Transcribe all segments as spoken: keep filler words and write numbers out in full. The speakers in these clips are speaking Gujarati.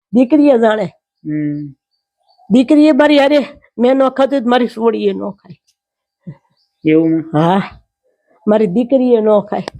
દીકરીએ જાણે. હમ દીકરીએ મારી હારે મેં ન ખાધું તો મારી સોડીએ ન ખાય. એવું હા, મારી દીકરીએ ન ખાય.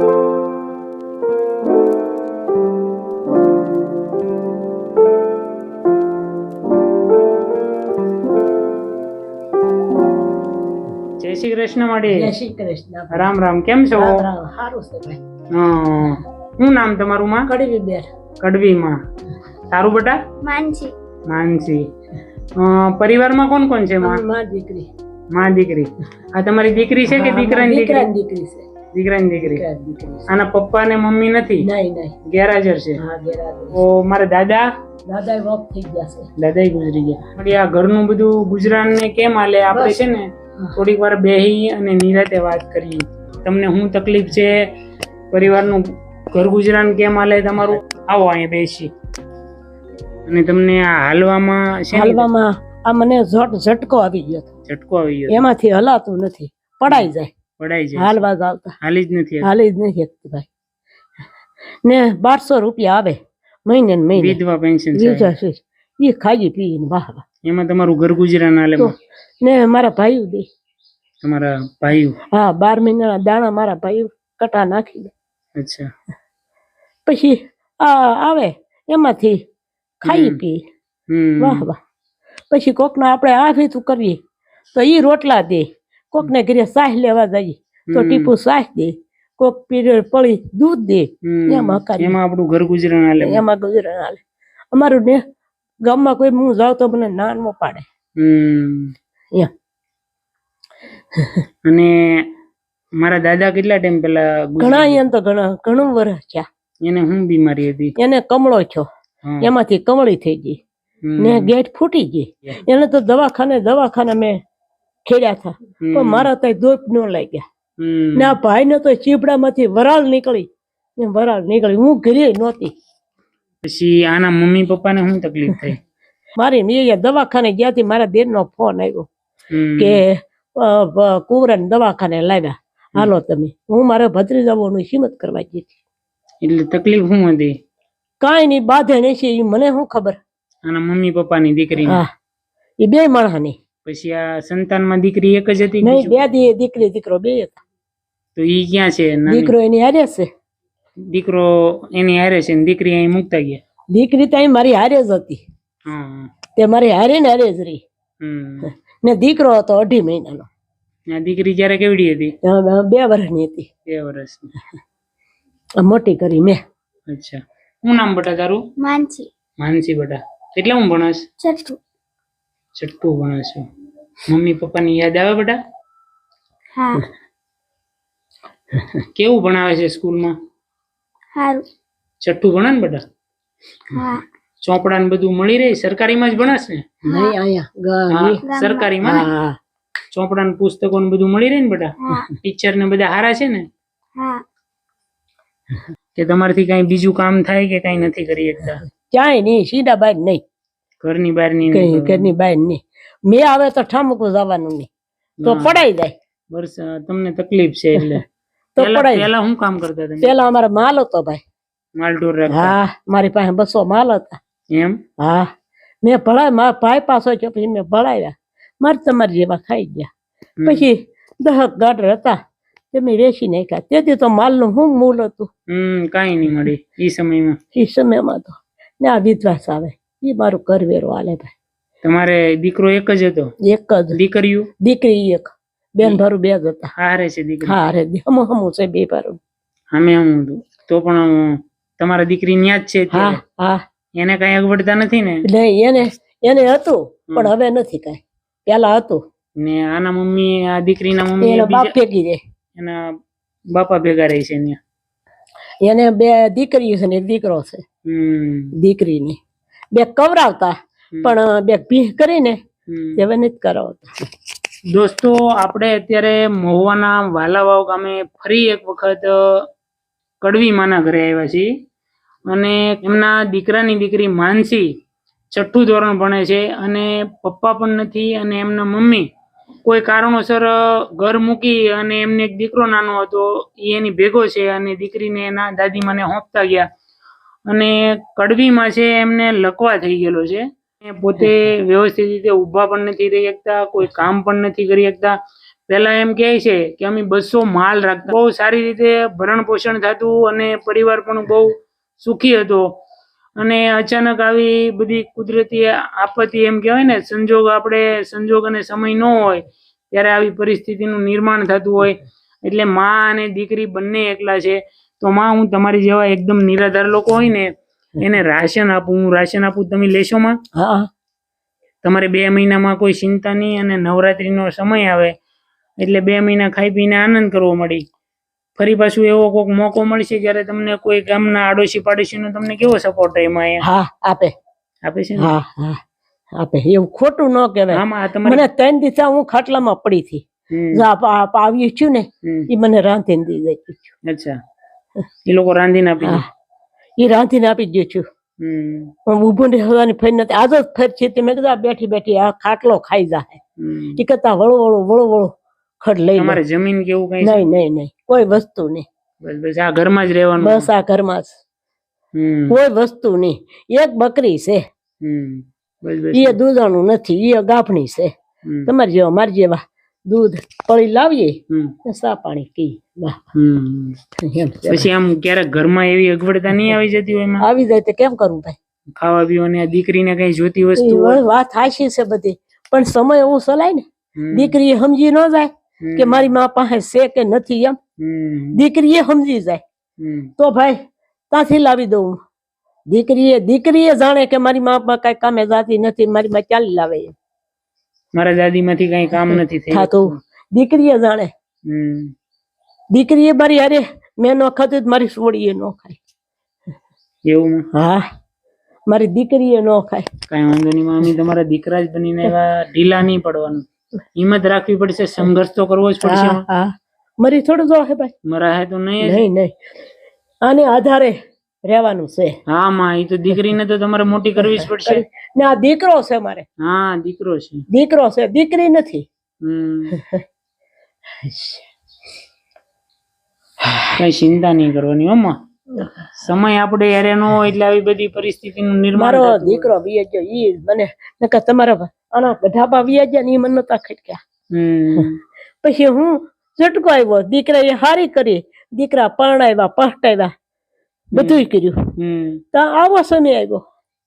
જય શ્રી કૃષ્ણ માડી. જય શ્રી કૃષ્ણ. રામ રામ. કેમ છો? સારું છે ભાઈ. હા, શું નામ તમારું માં? કડવી બેન. કડવી માં. તારું બેટા? માનસી. માનસી. અ, પરિવારમાં કોણ કોણ છે માં? માં દીકરી. માં દીકરી. આ તમારી દીકરી છે કે દીકરાની દીકરી? દીકરાની દીકરી છે. દીકરાની દીકરી. દીકરાની દીકરી છે. આના પપ્પા ને મમ્મી નથી? નહીં નહીં. ગેરહાજર છે. હા, ગેરહાજર. તો મારા દાદા દાદા વોક થઈ ગયા છે. દાદા ગુજરી ગયા. વળી આ ઘરનું બધું ગુજરાન ને કેમ હાલે? આપણે છે ને થોડીક વાર બેહી અને નિરાતે વાત કરીએ. તમને શું તકલીફ છે, પરિવારનું ઘર ગુજરાન કેમ હાલે તમારું? આવો અહીંયા બેસી. અને તમને આ હાલવામાં છે, હાલવામાં આ મને ઝટ ઝટકો આવી ગયો હતો. ઝટકો આવી ગયો? એમાંથી હલાતું નથી, પડાઈ જાય. પડાઈ જાય? હાલવા આવતા હાલી જ નથી? હાલી જ નથી શકતી ભાઈ. ને બારસો રૂપિયા આવે મહિને ને મહિને. વિધવા પેન્શન વિધવા છે, એ ખાઈ પીને વાહ વાહ. એમાં તમારું ઘર ગુજરાન હાલે? ને મારા ભાઈઓ દે. તમારા ભાઈઓ? હા, બાર મહિનાના દાણા મારા ભાઈઓ કટા નાખી દે. અચ્છા. પછી આ આવે એમાંથી ખાઈ પી વાહ વાહ. પછી કોકને આપણે આ ભીતું કરીએ તો ઈ રોટલા દે. કોકને ઘરે સાહ લેવા જઈએ તો ટીપુ સાહ દે. કોક પીરિયડ પડી દૂધ દે. એમાં એમાં આપણું ઘર ગુજરાન હાલે? એમાં ગુજરાન હાલે અમારું. ને ગામમાં કોઈ હું જાઉં તો મને ના ન પાડે. એમ. અને મારા દાદા કેટલા ટાઈમ પેલા? ઘણા અહીંયા તો ઘણા ઘણું વર્ષ થયા. એને શું બીમારી હતી? એને કમળો છો, એમાંથી કમળી થઈ ગઈ ને ગેટ ફૂટી ગઈ. એને તો દવાખાને દવાખાને મેં ખેડ્યા હતા પણ મારા તો ધોપ ન લાગ્યા. ને આ ભાઈ ને તો ચીપડામાંથી વરાળ નીકળી. એમ વરાળ નીકળી. હું ઘરે નહોતી. પછી આના મમ્મી પપ્પા ને શું તકલીફ થઈ? મારી મેં દવાખાને ગયા હતી. મારા દેર નો ફોન આવ્યો કે કુવરા દવાખાને લાવ્યા, હાલો તમે. હું મારા ભત્રીજાઓનું હિંમત કરવા ગઈ હતી. એટલે તકલીફ શું હતી? કાંઈ નહીં, બાધે નહીં. મને શું ખબર? આના મમ્મી પપ્પા ની દીકરી? હા, એ બે માણસ ની. પછી આ સંતાન માં દીકરી એક જ હતી? નહીં, બે દી દીકરી દીકરો બે હતા. તો ઈ ક્યાં છે? દીકરો એની હારે છે. દીકરો એની હારે છે ને દીકરી અહીં મુકતા ગયા? દીકરી તો અહીં મારી હારે જ હતી. તે મારી હારે ને હારે જ રહી. ને દીકરો હતો અઢી મહિનાનો. દીકરી જયારે કેવડી હતી? બે વર્ષની હતી. બે વર્ષ મોટી કરી મેં. અચ્છા. શું નામ બેટા તારું? માનસી. માનસી બેટા. કેટલા હું ભણસ? છઠ્ઠું. છઠ્ઠું ભણસ. મમ્મી પપ્પા ની યાદ આવે બેટા? હા. કેવું ભણાવે છે સ્કૂલમાં? સારું. છઠ્ઠું ભણે ને બેટા? હા. ચોપડા ને બધું મળી રહે? સરકારીમાં જ ભણસ ને? નહીં, અહીંયા સરકારીમાં ને? ચોપડા ને પુસ્તકો ને બધું મળી રહે ને બેટા? ટીચર ને બધા હારા છે ને? હા. કે તમારાથી કઈ બીજું કામ થાય કે કઈ નથી કરી શકતા? ક્યાંય નહીં, સીધા બહાર નહીં. ઘરની બહાર નહીં? ઘરની બહાર નહીં. મેં આવે તો ઠામકું જવાનું નહીં તો પડાઈ જાય. વર્ષ તમને તકલીફ છે એટલે તો પડાઈ. પેલા શું કામ કરતા તમે? પેલા અમારા માલ હતો ભાઈ. માલ ઢોર રાખતા? હા, મારી પાસે બસો માલ હતા. એમ? હા, મેં ભણાય. મારા ભાઈ પાસો છે પછી મેં ભણાવ્યા. મારે તમારી જેવા ખાઈ ગયા. પછી દહક ગાઢર હતા તે મેં વેચી નાખ્યા. તેથી તો માલ નું શું મૂલ હતું? હમ કઈ નહીં મળી એ સમયમાં. એ સમયમાં તો ને આ વિધવાસ આવે એ મારું કરવેરો હાલે ભાઈ. તમારે દીકરો એક જ હતો? એક જ. દીકરીઓ? દીકરી એક. બેન ભારું બે જ હતા. હારે છે દીકરી? હા રે, હમું હમું છે બે ભારું. અમે હમું હતું તો પણ તમારા દીકરી ન્યા જ છે? હા હા. એને કઈ અગવડતા નથી ને? એટલે એને એને હતું પણ હવે નથી કઈ. પેલા હતું. ને આના મમ્મી, આ દીકરીના મમ્મી એના બાપ ભેગી રહે. એના બાપા ભેગા રહે છે ત્યાં? એને બે દીકરીઓ છે ને એક દીકરો છે. દીકરીની બે કવરાવતા પણ બે ભીહ કરીને હવે નથી કરાવતા. દોસ્તો, આપણે અત્યારે મહુવાના વાલાવાવ ગામે ફરી એક વખત કડવી માના ઘરે આવ્યા છીએ અને એમના દીકરાની દીકરી માનસી છઠ્ઠું ધોરણ ભણે છે અને પપ્પા પણ નથી અને એમના મમ્મી કોઈ કારણોસર ઘર મૂકી અને એમને એક દીકરો નાનો હતો એ એની ભેગો છે અને દીકરીને એના દાદીમાને હોંપતા ગયા અને કડવીમાં છે એમને લકવા થઈ ગયેલો છે. એ પોતે વ્યવસ્થિત રીતે ઊભા પણ નથી રહી શકતા, કોઈ કામ પણ નથી કરી શકતા. પેલા એમ કહે છે કે અમે બસો માલ રાખતા, બહુ સારી રીતે ભરણ પોષણ થતું અને પરિવાર પણ બહુ સુખી હતો. અને અચાનક આવી બધી કુદરતી આપત્તિ એમ કહેવાય ને, સંજોગ આપણે સંજોગ અને સમય ન હોય ત્યારે આવી પરિસ્થિતિનું નિર્માણ થતું હોય. એટલે માં અને દીકરી બંને એકલા છે. તો માં, હું તમારી જેવા એકદમ નિરાધાર લોકો હોય ને એને રાશન આપું, હું રાશન આપું, તમે લેશો માં? હા. તમારે બે મહિનામાં કોઈ ચિંતા નહીં, અને નવરાત્રીનો સમય આવે એટલે બે મહિના ખાઈ પીને આનંદ કરવો મળી. ફરી પાછું એવો કોઈક મોકો મળશે જ્યારે તમને કોઈ ગામના આડોશી પાડોશીનો તમને કેવો સપોર્ટ એમાં? હા, આપે આપે છે ને? હા હા આપે. એવું ખોટું ન કહેવાય. આમાં તમારે મને ત્રણ દિવસ હું ખાટલામાં પડી હતી. હમ, આવ્યું છું ને હમ. એ મને રાંધીને દઈ દઈ. અચ્છા, એ લોકો રાંધીને આપી દે. હા, એ રાંધીને આપી દઉં છું. હમ, પણ ઊભું ને હવાની ફરી નથી. આજ જ ફેર છે તે મેં કીધું આ બેઠી બેઠી આ ખાટલો ખાઈ જાય. હમ. એ કરતા વળો વળો વળો વળો ખડ લઈ લો. તમારે જમીન કેવું કઈ છે? નહીં નહીં નહીં, કોઈ વસ્તુ નહીં. બસ બસ આ ઘરમાં જ રહેવાનું. બસ આ ઘરમાં જ, હમ, કોઈ વસ્તુ નહીં. એક બકરી છે, હમ. બસ બસ. એ દૂધાણું નથી, એ ગાભણી છે. હમ, તમારી જેવા મારી જેવા દૂધ પડી લાવીએ હમ, ને સા પાણી પી. વાહ, હમ. એમ છે. પછી આમ ક્યારેક ઘરમાં એવી અગવડતા નહીં આવી જતી હોય એમાં? આવી જાય તો કેમ કરું ભાઈ? ખાવા પીવાની આ દીકરીને કઈ જોતી વસ્તુ એ હોય? વાત હાચી છે બધી, પણ સમય એવું ચલાય ને. હમ, દીકરી એ સમજી ન જાય હમ, કે મારી મા પાસે છે કે નથી. એમ હમ, દીકરી એ સમજી જાય હમ. તો ભાઈ ત્યાંથી લાવી દઉં. દીકરીએ દીકરીએ જાણે કે મારી મા બાપ કઈ કામે જાતી નથી, મારી માં ચાલી લાવે એમ મારા દાદી માંથી કઈ કામ નથી થાતું. દીકરીએ જાણે. હમ, દીકરીએ મારી અરે મેં ન ખાતું તો મારી સોડીએ ન ખાય. એવું? હા, મારી દીકરીએ ન ખાય. કઈ વાંધો નહીં માં, અમે તમારા દીકરા જ બનીને એવા ઢીલા નહીં પડવાનું. હિંમત રાખવી પડશે, સંઘર્ષ તો કરવો જ પડશે. હા હા, મરી થોડું જો હે ભાઈ. મરા હે તો નહીં જ. નહીં નહીં, આને આધારે રહેવાનું છે. હા માં, એ તો દીકરીને તો તમારે મોટી કરવી જ પડશે. ને આ દીકરો છે મારે. હા, દીકરો છે. દીકરો છે, દીકરી નથી. હમ. કઈ ચિંતા નહીં કરવાની હો માં. સમય આપણે યારે ન હોય એટલે આવી બધી પરિસ્થિતિનું નિર્માણ મારો થતું હોય. દીકરો વિયે ગયો ઈ મને નકર તમારા આના ઢાબા વિયે ગયા ને ઈ મને નતા ખટક્યા. હમ, પછી હું ઝટકો આવ્યો, દીકરા એ હારી કરી, દીકરા પરણાવ્યા પહટાવ્યા બધુંય કર્યું. હમ. તો આવો સમય આવ્યો.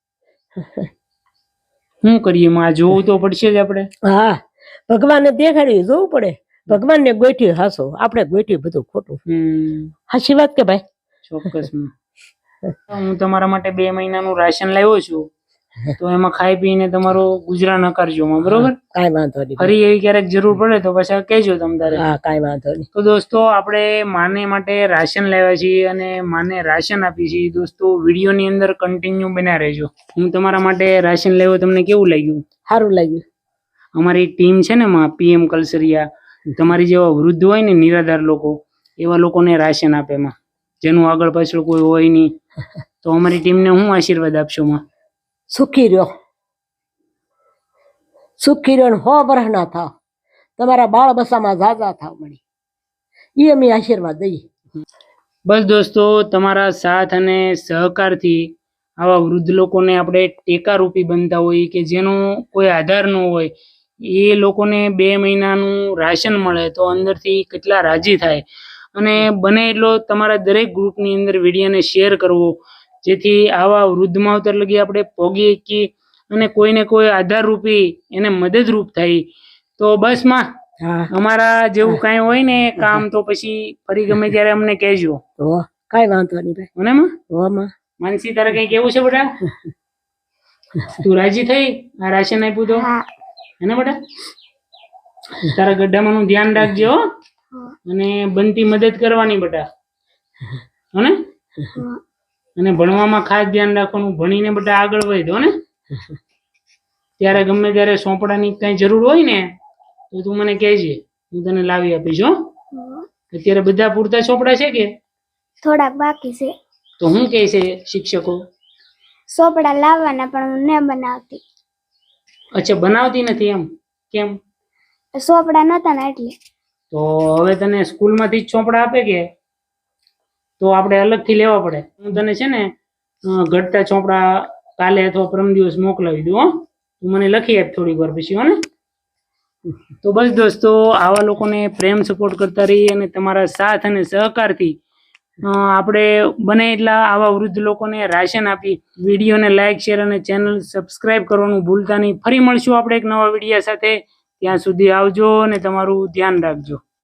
શું કરીએ માં, જોવું તો પડશે જ આપણે. હા, ભગવાનને દેખાડ્યું જોવું પડે. ભગવાનને ગોઠ્યું હાસો, આપણે ગોઠ્યું બધું ખોટું. હમ, હાચી વાત કે ભાઈ? ચોક્કસ માં. હું તમારા માટે બે મહિનાનું રાશન લાવ્યો છું, તો એમાં ખાઈ પીને તમારો ગુજરાન નકારજો માં, બરોબર? કાંઈ વાંધો નહીં. ફરી એવી ક્યારેક જરૂર પડે તો પછી કહેજો તમ તારે. હા, કાંઈ વાંધો નહીં. તો દોસ્તો, આપણે માને માટે રાશન લાવ્યા છીએ અને માને રાશન આપીએ છીએ. દોસ્તો, વિડીયોની અંદર કન્ટિન્યુ બન્યા રહેજો. હું તમારા માટે રાશન લાવ્યો, તમને કેવું લાગ્યું? સારું લાગ્યું. અમારી ટીમ છે ને માં, પીએમ કલસરિયા, તમારી જેવા વૃદ્ધ હોય ને નિરાધાર લોકો, એવા લોકોને રાશન આપે માં, જેનું આગળ પાછળ કોઈ હોય નહીં. તો અમારી ટીમને હું આશીર્વાદ આપશો માં? સુખી રહ્યો, સુખી રહ્યો ને હો વરહ ના થાવ, તમારા બાળ બસામાં ઝાઝા થાવ મળી, એ અમે આશીર્વાદ દઈએ. બસ દોસ્તો, તમારા સાથ અને સહકારથી આવા વૃદ્ધ લોકોને આપણે ટેકારૂપી બનતા હોઈએ કે જેનો કોઈ આધાર ન હોય, એ લોકોને બે મહિનાનું રાશન મળે તો અંદરથી કેટલા રાજી થાય. અને બને એટલો તમારા દરેક ગ્રુપની અંદર વિડીયોને શેર કરવો, જેથી આવા વૃદ્ધ માવતર લગી આપણે પહોંચી શકીએ અને કોઈને કોઈ આધારરૂપી એને મદદરૂપ થાય. તો બસ માં, અમારા જેવું કાંઈ હોય ને કામ તો પછી ફરી ગમે ત્યારે અમને કહેજો. કાંઈ વાંધો નહીં ભાઈ. મને માં હો માં. માનસી, તારે કઈ કેવું છે બેટા? તું રાજી થઈ આ રાશન આપ્યું તો? હે બેટા? તારા ગड्ढામાં નું ધ્યાન રાખજો અને બનતી મદદ કરવાની બેટા, હને? અને ભણવામાં ખાસ ધ્યાન રાખવાનું, ભણીને બેટા આગળ વધો ને. ત્યારે ગમે ત્યારે સોંપડાની કઈ જરૂર હોય ને તો તું મને કહેજે, હું તને લાવી આપીશ. હો, અત્યારે બધા પૂરતા ચોપડા છે કે થોડાક બાકી છે? તો હું કહે છે શિક્ષકો? ચોપડા લાવવાના પણ હું ન બનાવતી. અચ્છા, બનાવતી નથી એમ? કેમ? ચોપડા નતા ને એટલે. તો હવે તને સ્કૂલમાંથી જ ચોપડા આપે કે તો આપણે અલગથી લેવા પડે? હું તને છે ને અ, ઘટતા ચોપડા કાલે અથવા પરમ દિવસ મોકલાવી દઉં હો. તું મને લખી આપ થોડીક વાર પછી હો ને. તો બસ દોસ્તો, આવા લોકોને પ્રેમ સપોર્ટ કરતા રહીએ અને તમારા સાથ અને સહકારથી અ, આપણે બને એટલા આવા વૃદ્ધ લોકોને રાશન આપી. વિડીયોને લાઇક શેર અને ચેનલ સબસ્ક્રાઇબ કરવાનું ભૂલતા નહીં. ફરી મળશું આપણે એક નવા વિડીયો સાથે. ત્યાં સુધી આવજો અને તમારું ધ્યાન રાખજો.